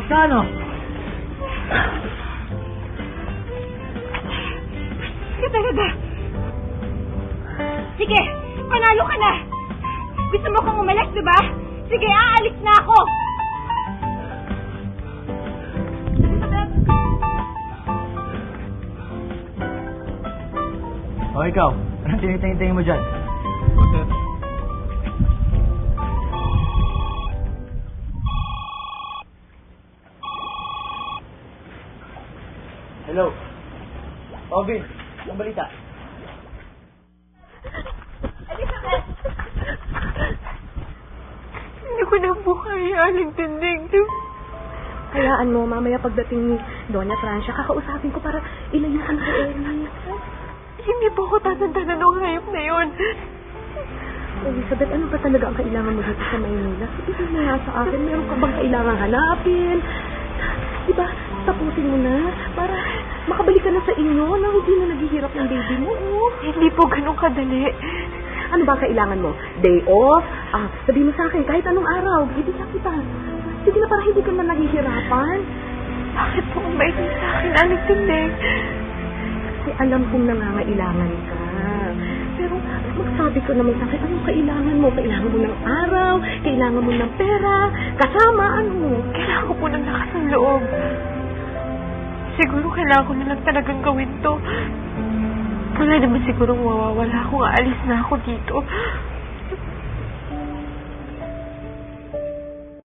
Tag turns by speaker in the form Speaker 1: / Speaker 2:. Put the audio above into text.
Speaker 1: ka, ano?
Speaker 2: Sige talaga. Sige, panalo ka na. Gusto mo kong umalis, diba? Sige, aalis na ako.
Speaker 1: O ikaw, anong tinitingin mo dyan? Hello? Vin, ang balita?
Speaker 2: Hindi ko na buhay, Aling Tindig.
Speaker 3: Hayaan mo, mamaya pagdating ni Doña Francia, kakausapin ko para ilayuan ko Eric.
Speaker 2: Hindi po ako tatantanan ng hayop na yun.
Speaker 3: Elizabeth, ano ba talaga ang kailangan mo dito sa Maynila? Sabihin mo nga sa akin, meron ka bang kailangan hanapin? Diba, tapusin mo na para makabalik ka na sa inyo na hindi na naghihirap ng baby mo. Oh.
Speaker 2: Hindi po ganun kadali.
Speaker 3: Ano ba kailangan mo? Day off? Sabihin mo sa akin, kahit anong araw, bibigyan kita. Sige na, para hindi ka na naghihirapan.
Speaker 2: Bakit po ang bait niyo sa akin, Aling Tindig?
Speaker 3: Kasi alam kong nangangailangan ka. Pero magsabi ko naman sa akin, anong kailangan mo? Kailangan mo ng araw, kailangan mo ng pera, kasama, ano?
Speaker 2: Kailangan ko po ng lakas ng loob. Siguro kailangan ko na lang talagang gawin to. Wala naman siguro mawawala kung aalis na ako dito.